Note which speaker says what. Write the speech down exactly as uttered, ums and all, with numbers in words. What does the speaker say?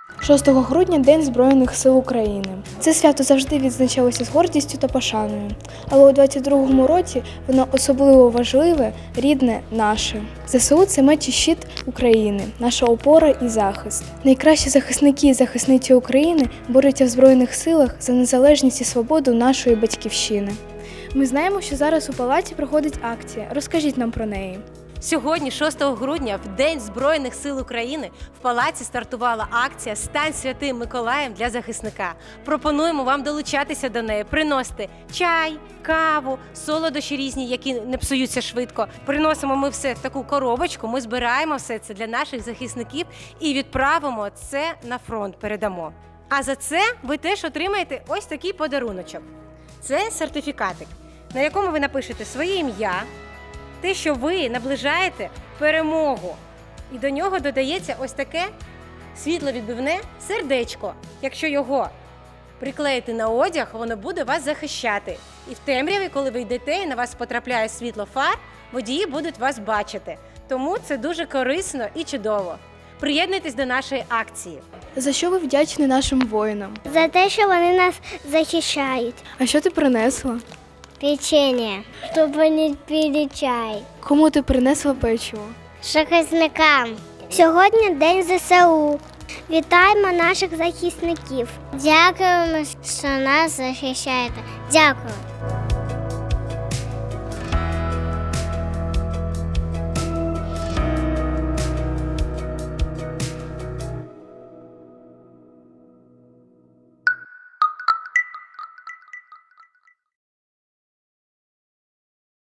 Speaker 1: шостого грудня – День Збройних сил України. Це свято завжди відзначалося з гордістю та пошаною. Але у двадцять другому році воно особливо важливе, рідне, наше. ЗСУ – це меч і щит України, наша опора і захист. Найкращі захисники і захисниці України борються в Збройних силах за незалежність і свободу нашої батьківщини. Ми знаємо, що зараз у палаці проходить акція. Розкажіть нам про неї.
Speaker 2: Сьогодні, шостого грудня, в День Збройних сил України, в палаці стартувала акція «Стань святим Миколаєм для захисника». Пропонуємо вам долучатися до неї, приносити чай, каву, солодощі різні, які не псуються швидко. Приносимо ми все в таку коробочку, ми збираємо все це для наших захисників і відправимо це на фронт, передамо. А за це ви теж отримаєте ось такий подаруночок. Це сертифікатик, на якому ви напишете своє ім'я, те, що ви наближаєте перемогу. І до нього додається ось таке світловідбивне сердечко. Якщо його приклеїти на одяг, воно буде вас захищати. І в темряві, коли ви йдете і на вас потрапляє світло фар, водії будуть вас бачити. Тому це дуже корисно і чудово. Приєднуйтесь до нашої акції.
Speaker 1: За що ви вдячні нашим воїнам?
Speaker 3: За те, що вони нас захищають.
Speaker 1: А що ти принесла?
Speaker 3: Печення, щоб вони пили чай.
Speaker 1: Кому ти принесла печиво?
Speaker 3: Захисникам. Сьогодні День ЗСУ. Вітаємо наших захисників. Дякуємо, що нас захищаєте. Дякую.